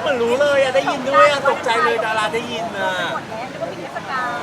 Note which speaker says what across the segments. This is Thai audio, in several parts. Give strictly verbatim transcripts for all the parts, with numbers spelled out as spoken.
Speaker 1: มือนรู้เลยอะได้ยินด้วยอะตกใจเลยดาราได้ยินอะ
Speaker 2: หมดแล้วแล้วก็มีเทศกาล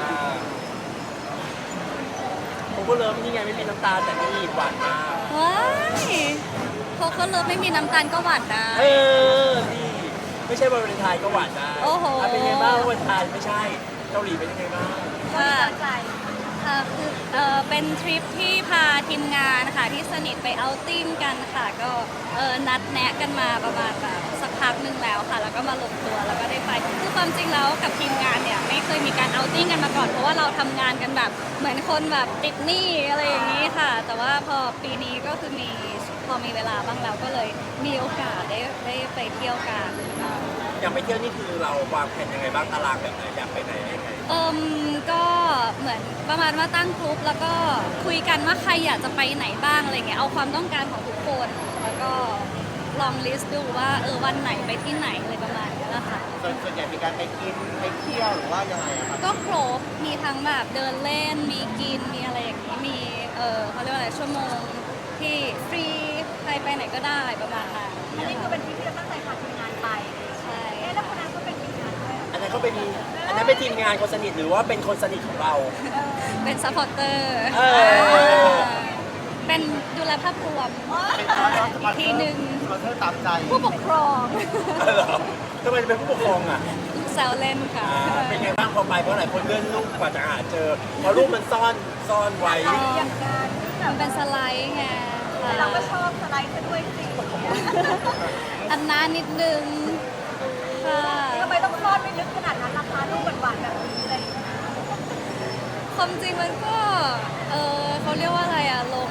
Speaker 1: ผมก็เริ่มนี่ไงไม่มีน้ำตาแต่นี่หวานมาก
Speaker 3: ว้ายโคโค่เลิฟไม่มีน้ำตาลก็หวานได้
Speaker 1: เออนี่ไม่ใช่วันวาเลนไทน์ก็หวานได้
Speaker 3: โอ้โห
Speaker 1: ะเป็นไงบ้างวันวาเลนไทน์ไม่ใช่เกาหลีเป็นยังไงบ้าง
Speaker 3: ค่ะ
Speaker 2: ใจ
Speaker 3: ค่ะคือเออเป็นทริปที่พาทีมงานค่ะที่สนิทไปเอาท์ติ้งกันค่ะ ก็เออนัดแนะกันมาประมาณแบบสักพักหนึ่งแล้วค่ะ แล้วก็มาลงตัวแล้วก็ได้ไปคือความจริงแล้วกับทีมงานเนี่ยไม่เคยมีการเอาท์ติ้งกันมาก่อนเพราะว่าเราทำงานกันแบบเหมือนคนแบบติดหนี้อะไรอย่างนี้ค่ะ แต่ว่าพอปีนี้ก็คือมีพอมีเวลาบ้างแล้วก็เลยมีโอกาสได้ได้ไปเที่ยวกัน
Speaker 1: อยากไปเที่ยวนี่คือเราวางแผนยังไงบ้างตารางแบบไหนอยากไปไหนยังไง
Speaker 3: เอิมก็เหมือนประมาณว่าตั้งกลุ่มแล้วก็คุยกันว่าใครอยากจะไปไหนบ้างอะไรเงี้ยเอาความต้องการของทุกคนแล้วก็ลองลิสต์ดูว่าเออวันไหนไปที่ไหนอะไรประมาณนี้แหละค่ะ
Speaker 4: ส่วนส่วนใหญ่มีการไปกินไปเที่ยวหรือว่ายังไงอะครับ
Speaker 3: ก็ครบมีทั้งแบบเดินเล่นมีกินมีอะไรอย่างนี้มีเออเขาเรียกว่าอะไรชั่วโมงที่ฟรีใครไปไหนก็ได้ประมาณนั้น
Speaker 2: อันนี้คือเป็นทริปที่เราตั้งใจพาทีมงานไป
Speaker 3: ใช่
Speaker 2: เอ๊ะแล้วคนนั้นก็เป็นทีมงานด้วย
Speaker 1: อันนั้นเขาเป็นอันนั้นเป็นทีมงานคนสนิทหรือว่าเป็นคนสนิทของเรา
Speaker 3: เป็นซัพพอร์เตอร์
Speaker 1: เออ
Speaker 3: เป็นดูแลภาพรวม
Speaker 4: เป็นสปอนเซอร์สปอนเซอร์
Speaker 3: ทีหนึ่ง
Speaker 4: สปอนเซอร์ตามใจ
Speaker 3: ผู้ปกครอง
Speaker 1: เหรอทำไมจะเป็นผู้ปกครองอ่ะ
Speaker 3: แซวเล่นค่ะ
Speaker 1: อ่าเป็นไงบ้างพอไปเพราะหลายคนเลื่อนรูปกว่าจะหาเจอเพราะรูปมันซ่อนซ่อนไว้
Speaker 2: อย่างการที่แบ
Speaker 3: มั
Speaker 2: บ
Speaker 3: นเป็นสไลด์ไงค่ะ
Speaker 2: เราก็ชอบสไลด์ซะด้วยสิ
Speaker 3: อันน้านิดนึงค่ะ
Speaker 2: ทำไมต้องซ่อนไม่ลึกขนาดนั้นราคาลูกหวานๆแบบนี้อะไรอย่างเงี้ย
Speaker 3: ความจริงมันก็ เออเขาเรียกว่าอะไรอะลง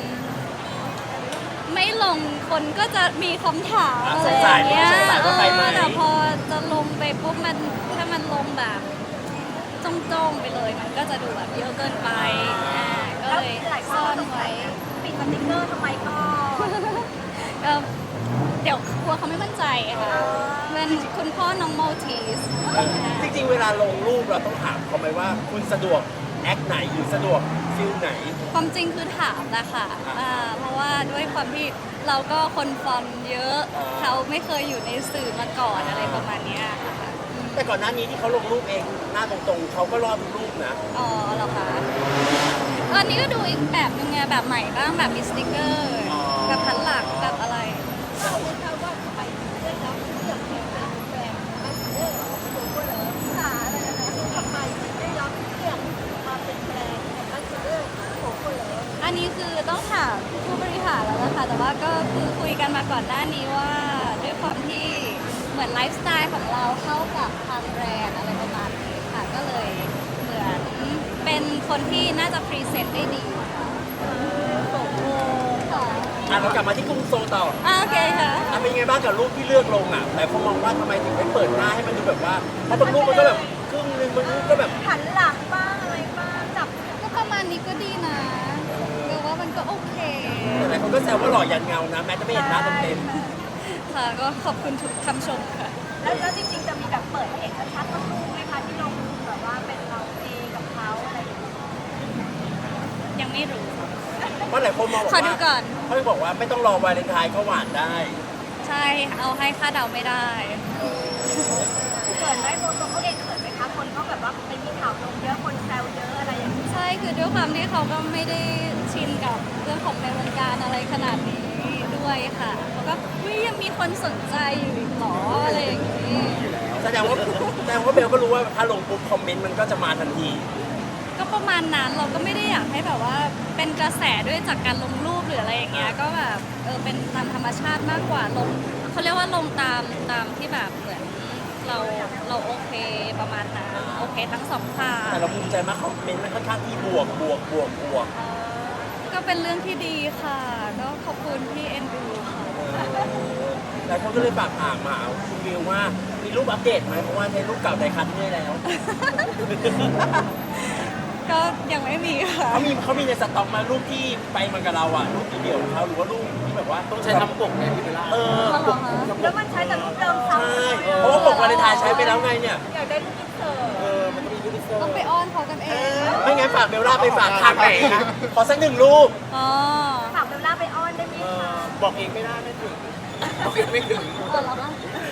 Speaker 3: ไม่ลงคนก็จะมีคำถาม
Speaker 1: อ่ะ
Speaker 3: อะไรอย่างเงี้ย
Speaker 1: สงสัยว่าไปไหม
Speaker 3: เออแต่พอจะลงไปปุ๊บมันถ้ามันลงแบบจ้องๆไปเลย มันก็จะดูแบบเยอะเกินไปอ่าก็
Speaker 2: แล้ว
Speaker 3: เลย
Speaker 2: หลายคน
Speaker 3: ซ่อ
Speaker 2: ก็
Speaker 3: น
Speaker 2: สงสั
Speaker 3: ไว้
Speaker 2: ยนะปิดสติ๊กเกอร์ทำไมก็
Speaker 3: เออเดี๋ยวกลัวเขาไม่มั่นใจค่ะเป็นคุณพ่อน้องโมทีส
Speaker 1: จริงๆ เวลาลงรูปเราต้องถามเขาไหมว่าคุณสะดวกแอคไหนหรือสะดวกฟิลไหน
Speaker 3: ความจริงคือถามแหละค่ะอ่าเพราะว่าด้วยความที่เราก็คนฟอลเยอะ
Speaker 1: อ๋อ
Speaker 3: เขาไม่เคยอยู่ในสื่อมาก่อนอะไรประมาณเนี้ยค่ะ
Speaker 1: แต่ก่อนหน้านี้ที่เขาลงรูปเองหน้าตรงๆเขาก็รอดทุกรูปนะ
Speaker 3: อ๋อเหรอคะอันนี้ก็ดูอีกแบบนึงไงแบบใหม่บ้างแบบมีสติกเกอร์
Speaker 1: อ๋อ
Speaker 3: แบบพันหลักแบบอะไร
Speaker 2: เราเลยค่ะว่าทำไมถึงเลือกแล้วเลือกแฟนเป็นแฟนไม่เลือกของตัวคนเหรอสาอะไรนะทำไมถึงได้รับเลือกมาเป็นแฟนของนักเลือกของคนเหรอ
Speaker 3: อันนี้คือต้องถามผู้บริหารแล้วนะคะแต่ว่าก็คือคุยกันมาก่อนหน้านี้ว่าด้วยความที่เหมือนไลฟ์สไตล์ของเราเข้ากับทางแบรนด์อะไรประมาณนี้ค่ะก็เลยเหมือนเป็นคนที่น่าจะพรีเซนต์ได้ดีค่ะค่ะ
Speaker 1: อ่ะเรากลับมาที่กรุงโซลต่อ
Speaker 3: อ่ะโอเคค่ะ
Speaker 1: อ่ะเป็นไงบ้างกับรูปที่เลือกลงอ่ะแต่เขามองว่าทำไมถึงไม่เปิดหน้าให้มันดูแบบว่าเพราะบางรูปมันก็แบบครึ่งนึงบางรูปก็แบบ
Speaker 2: หันหลังบ้างอะไรบ้างจับ
Speaker 3: ก็ประมาณนี้ก็ดีนะเรียกว่ามันก็โอเค
Speaker 1: หลายคนก็แซวว่าหล่อยันเงานะแม้จะไม่เห็นหน้าเต็ม
Speaker 3: ค่ะก็ขอบคุณทุกคำชมค่ะ
Speaker 2: แล้วแล้วจริงๆจะมีแบบเปิดให้เห็นชัดๆทั้งรูปไหมคะที่ลงแบบว่าเป็นเราเองกับเขาอะไรอย่างเงี้ย
Speaker 3: ยังไม่รู้
Speaker 1: ๆเพราะหลายคนมองบอก
Speaker 3: ขอดู
Speaker 1: ว่า
Speaker 3: ก่อน
Speaker 1: เขาบอกว่าไม่ต้องรอวาเลนไทน์ก็หวานได้
Speaker 3: ใช่เอาให้ค่าเดาไม่ได้
Speaker 2: เขินไหมโมตัวเขาเองเขินไหมคะคนเขาแบบว่าไปมีข่าวลงเยอะคนแซวเยอะอะไรอย่างเงี้ย
Speaker 3: ใช่คือด้วยความที่เขาก็ไม่ได้ชินกับเรื่องของในวงการอะไรขนาดนี้ด้วยค่ะเขาก็วิยังมีคนสนใจอยู่อีกเหรออะไรอย่างนี้
Speaker 1: แสดงว่าแสดงว่าเบลก็รู้ว่าถ้าลงปุ๊บคอมเมนต์มันก็จะมาทันที
Speaker 3: ก็ประมาณนั้นเราก็ไม่ได้อยากให้แบบว่าเป็นกระแสด้วยจากการลงรูปหรืออะไรอย่างเงี้ยก็แบบเออเป็นตามธรรมชาติมากกว่าลงเขาเรียกว่าลงตามตามที่แบบเหมือนเราเราโอเคประมาณนั้นโอเคทั้งสองฝ่าย
Speaker 1: แต่เราภูมิใจมากคอมเมนต์มันค่อนข้างที่บวกบวกบวกบวก
Speaker 3: ก็เป็นเรื่องที่ดีค่ะ ก็ขอบคุณที่เอ็นดูค่ะ
Speaker 1: หลายคนก็เลยฝากถามมาคุณวิวว่ามีรูปอัปเดตไหมเพราะว่าในรูปเก่าไดคัทไม่ได้แล้ว
Speaker 3: ก็ยังไม่มีค่ะ
Speaker 1: เขามีเขามีในสต็อกมารูปที่ไปมันกับเราอ่ะรูปเดี่ยวของเขาหรือว่ารูปที่แบบว่าต้องใช้ทำปกไงพี่เบลล่าเออ
Speaker 3: อ๋อเหรอคะ
Speaker 2: แล้วมันใช้แต่รูปเดิมซ้ำ
Speaker 1: ใช่เพราะว่าปกวาเลนไทน์ใช้ไปแล้วไงเนี่ย
Speaker 2: อยากได้รูปอินเสิร์ต
Speaker 1: เออมันก็มีรูปอินเสิร์
Speaker 3: ต้อง
Speaker 1: ต
Speaker 3: ไปอ้อนเขากันเอง
Speaker 1: ไม่งั้นฝากเบลล่าไปฝากทางไหนนะขอสักหนึ่งรูป
Speaker 3: อ๋อ
Speaker 2: ถามเบลล่าไปอ้อนได้ไหมคะ
Speaker 1: บอกเองไม่ได้ไม่ถึงบอกเองไม่ถึง
Speaker 3: อ๋อเหรอคะ
Speaker 1: ถ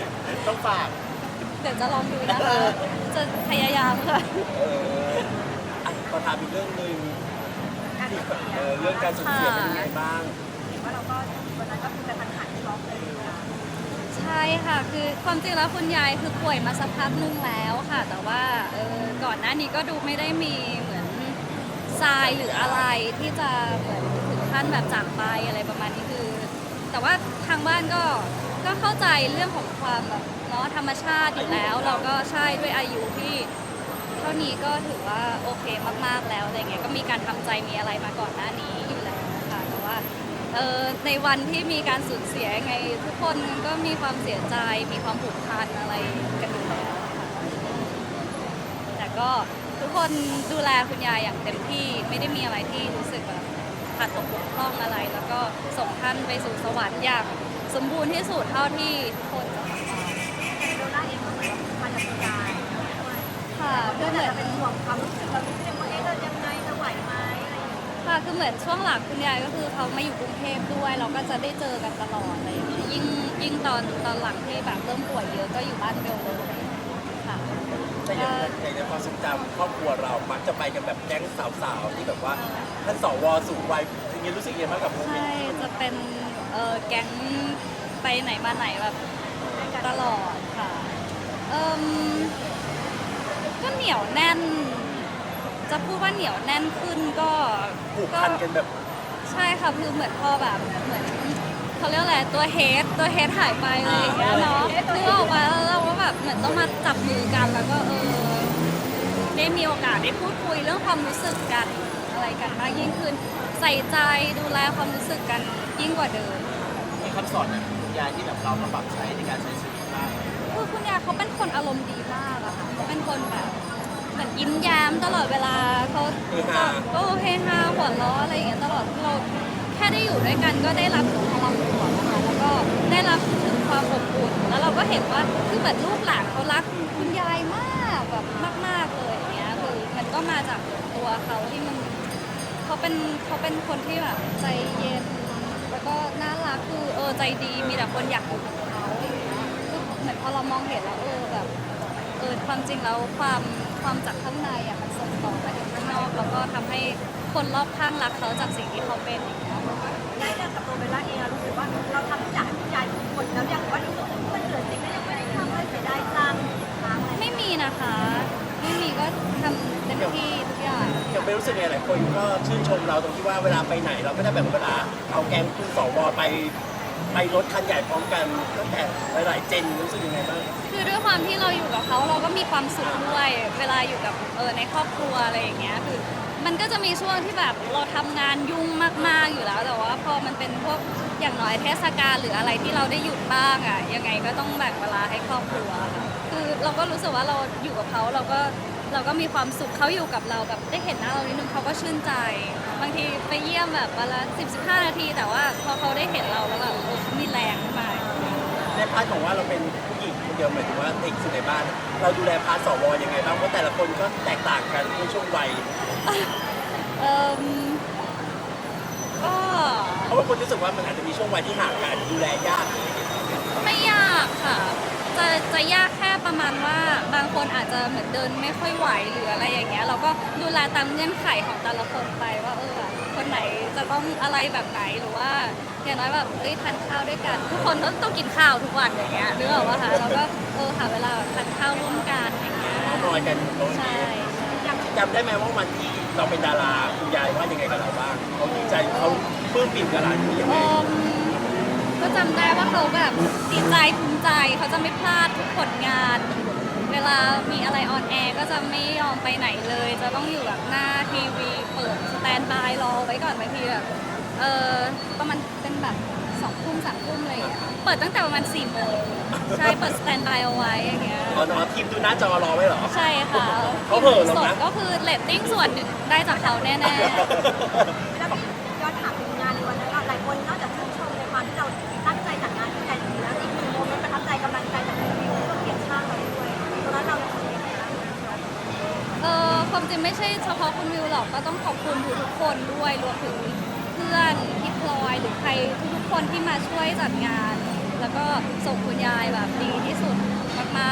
Speaker 4: ต้องฝาก
Speaker 3: เดี๋ยวจะลองดูนะคะ จะพยายามค่ะ
Speaker 1: เอออ่ะขอถามอีกเรื่องหนึ่งที่เออเรื่องการสูญเสียเป็นยังไงบ้าง
Speaker 2: ว่าเราก็วันนั้นก็คือเป็นพันหันช็อกเลยนะ
Speaker 3: ใช่ค่ะ คือความจริงแล้วคุณยายคือป่วยมาสักพักนึงแล้วค่ะ แต่ว่าเออก่อนหน้านี้ก็ดูไม่ได้มีเหมือนทรายหรืออะไรที่จะเหมือนถึงขั้นแบบจากไปอะไรประมาณนี้คือ แต่ว่าทางบ้านก็ก็เข้าใจเรื่องของความแบบเนาะธรรมชาติอยู่แล้ว เราก็ใช่ด้วยอายุที่เท่านี้ก็ถือว่าโอเคมากๆแล้วอะไรเงี้ยก็มีการทำใจมีอะไรมาก่อนหน้านี้อยู่แล้วค่ะแต่ว่า เอ่อในวันที่มีการสูญเสียยังไงทุกคนก็มีความเสียใจมีความผูกพันอะไรกันอยู่แล้วค่ะแต่ก็ทุกคนดูแลคุณยายอย่างเต็มที่ไม่ได้มีอะไรที่รู้สึกแบบขาดตกบกพร่องอะไร แล้วก็ส่งท่านไปสู่สวรรค์อย่างสมบูรณ์ที่สุดเท่าที่ทุกคนจะทำได้
Speaker 2: โดน่าเองก็เหมือนมาจากคุณยายด้วย
Speaker 3: ค่ะ
Speaker 2: ก็
Speaker 3: ก็
Speaker 2: เห
Speaker 3: เห
Speaker 2: มื
Speaker 3: มื
Speaker 2: อ
Speaker 3: อน น
Speaker 2: เป็นห่วงความรู้สึกเราที่ยังว่าเอ๊ะเรายังไงจะไหวไหมอะไรอย่างเงี้ย
Speaker 3: ค่ะคือเหมือนช่วงหลังคุณยายก็คือเขามาอยู่กรุงเทพด้วย เราก็จะได้เจอกันตลอดอะไรอย่างเงี้ยยิ่งยิ่งตอนตอนหลังที่แบบเริ่มป่วยเยอะก็อยู่บ้านเบลเลยค่ะ
Speaker 1: แต่อย่างในความทรงจำครอบครัวเรามักจะไปกันแบบแก๊งสาวๆที่แบบว่าท่านสวสูงวัยอย่างนี้รู้สึกยังไงบ้างกับโมเมน
Speaker 3: ใช่
Speaker 1: ต์
Speaker 3: จะเป็นเออแก๊งไปไหนมาไหนแบบตลอดค่ะเอมก็เหนียวแน่น จะพูดว่าเหนียวแน่นขึ้นก็
Speaker 1: ผูกพันกันแบบ
Speaker 3: ใช่ค่ะคือเหมือนพอแบบเหมือนเขาเรียกอะไรตัวเฮดตัวเฮดหายไปอะไรอย่างเงี้ยเนาะคือออกมาแล้วเราก็แบบเหมือนต้องมาจับมือกันแล้วก็เออได้มีโอกาสได้พูดคุยเรื่องความรู้สึกกันอะไรกันมากยิ่งขึ้น ใส่ใจดูแลความรู้สึกกันยิ่งกว่าเดิม
Speaker 4: มีคำสอนแบบคุณยายที่แบบเรามาปรับใช้ในการใช้ชีวิตบ้าง
Speaker 3: คือคุณยายเขาเป็นคนอารมณ์ดีมากอะค่ะเขาเป็นคนแบบเหมือนยิ้มแย้มตลอดเวลาเขา
Speaker 1: เฮฮา
Speaker 3: โอ้เฮฮาหัวเราะอะไรอย่างเงี้ยตลอดเราแค่ได้อยู่ด้วยกันก็ได้รับถึงพลังบวกนะคะแล้วก็ได้รับถึงความอบอุ่นแล้วเราก็เห็นว่าคือเหมือนลูกหลานเขารักคุณยายมากแบบมากๆเลยอย่างเงี้ยคือมันก็มาจากตัวเขาที่มันเขาเป็นเขาเป็นคนที่แบบใจเย็น แล้วก็น่ารักคือเออใจดีมีแต่คนอยากอยู่กับเขาอย่างเงี้ยคือเหมือนพอเรามองเห็นแล้วเออแบบเออความจริงแล้วความความจากข้างในอ่ะมันส่งต่อไปถึงข้างนอกแล้วก็ทำให้คนรอบข้างรักเขาจากสิ่งที่เขาเป็นอย่างเงี้ย
Speaker 2: ได้เรื่องกับตัวเบลล่าเองเรารู้สึกว่าเราทำทุกอย่างให้คุณยายหมดแล้วยังว่ารู้สึกว่ามันเหลือสิ่งที่ยังไม่ได้ทำเลยเสียดายจังค้างอะไร
Speaker 3: ไม่มีนะคะ ไม่มีก็ทำเต็มที่ทุกอย่าง
Speaker 1: อย่างไม่รู้สึกไงหลายคนก็ชื่นชมเราตรงที่ว่าเวลาไปไหนเราก็ได้แบบเวลาเอาแก๊งคุณสวไปไปรถคันใหญ่พร้อมกันตั้งแต่หลายๆเจนรู้สึกยังไงบ้าง
Speaker 3: คือด้วยความที่เราอยู่กับเขาเราก็มีความสุขด้วย เวลาอยู่กับเออในครอบครัวอะไรอย่างเงี้ยคือมันก็จะมีช่วงที่แบบเราทำงานยุ่งมากๆอยู่แล้ว แต่ว่าพอมันเป็นพวกอย่างน้อยเทศกาลหรืออะไรที่เราได้หยุดบ้างอ่ะยังไงก็ต้องแบ่งเวลาให้ครอบครัวค่ะคือเราก็รู้สึกว่าเราอยู่กับเขาเราก็เราก็มีความสุขเขาอยู่กับเราแบบได้เห็นหน้าเรานิดนึงเขาก็ชื่นใจ บางทีไปเยี่ยมแบบวันละสิบสิบห้านาที แต่ว่าพอเขาได้เห็นเราแล้วแบบเออมีแรงขึ้นมา
Speaker 1: ในพาร์ทของว่าเราเป็นผู้หญิงคนเดียวหมายถึงว่าเด็กสุดในบ้าน เราดูแลพาร์ทสวยังไงบ้างเพราะแต่ละคนก็แตกต่างกันในช่วงวัย
Speaker 3: เอ่มก็
Speaker 1: เพราะว่าคนรู้สึกว่ามันอาจจะมีช่วงวัยที่ห่างกันดูแลยาก
Speaker 3: ไม่ยากค่ะ จะจะยากแค่ประมาณว่าบางคนอาจจะเหมือนเดินไม่ค่อยไหวหรืออะไรอย่างเงี้ยเราก็ดูแลตามเงื่อนไขของแต่ละคนไปว่าเออแบบคนไหนจะต้องอะไรแบบไหนหรือว่าอย่างน้อยแบบเอ้ยทานข้าวด้วยกัน ทุกคนต้องต้องกินข้าวทุกวันอย่างเงี้ยนึกออกปะคะเราก็เออหาเวลาแบบทานข้าวร่วมกันอย่างเงี้ย
Speaker 1: นอนกันโต๊ะ
Speaker 3: ใช่
Speaker 1: นี้
Speaker 3: ใช่
Speaker 1: จำได้ไหมว่าวันที่เราเป็นดาราคุณยายว่ายังไงกับเราบ้างเขาดีใจเขาปลื้มปิ่มกับหลานนี้ยังไง
Speaker 3: เอิ่มก็จำได้ว่าเขาแบบดีใจภูมิใจเขาจะไม่พลาดทุกผลงาน เวลามีอะไรออนแอร์ก็จะไม่ยอมไปไหนเลย จะต้องอยู่แบบหน้าทีวีเปิดสแตนด์บายรอไว้ก่อนบางทีแบบเออประมาณเป็นแบบสองทุ่มสามทุ่มอะไรอย่างเงี้ยเปิดตั้งแต่ประมาณสี่โมงใช่เปิดสแตนด์บายเอาไว้อย่างเงี้ย
Speaker 1: อ๋อนอนทีมดูหน้าจอรอไว้เหรอ
Speaker 3: ใช่ค่ะ
Speaker 1: เขาเผลอหรอ
Speaker 3: สด
Speaker 1: นะ
Speaker 3: ก็คือเรตติ้งส่วนหนึ่งได้จากเขาแน่ๆ
Speaker 2: แล้วพี่ย้อนถามถึงงานในวันนั้นหลายคนนอกจากชื่นชมในความที่เราตั้งใจจัดงานที่ใหญ่ดีแล้วอีกหนึ่งโมเมนต์ประทับใจกำลังใจจากรีวิวที่เราเขียนข้างเราด้วยตอนนั้นเรารู้สึกยังไงบ้าง
Speaker 3: เออความจริงไม่ใช่เฉพาะคุณวิวหรอกก็ต้องขอบคุณทุกๆคนด้วยรวมถึงเพื่อนพี่พลอยหรือใครทุกๆคนที่มาช่วยจัดงาน แล้วก็ส่งคุณยายแบบดีที่สุด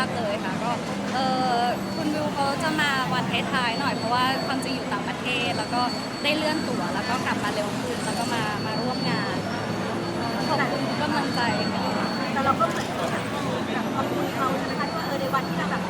Speaker 3: ากๆเลยค่ะก็เออคุณวิวเขาจะมาวันท้ายๆหน่อยเพราะว่าความจริงอยู่ต่างประเทศ แล้วก็ได้เลื่อนตั๋วแล้วก็กลับมาเร็วขึ้นแล้วก็มามาร่วมงานขอบคุณทุกกำลังใจค่ะ
Speaker 2: แต่เราก็เหมือนแบบขอบคุณเขาใช่ไหมคะที่ว่าเออในวันที่เราแบบ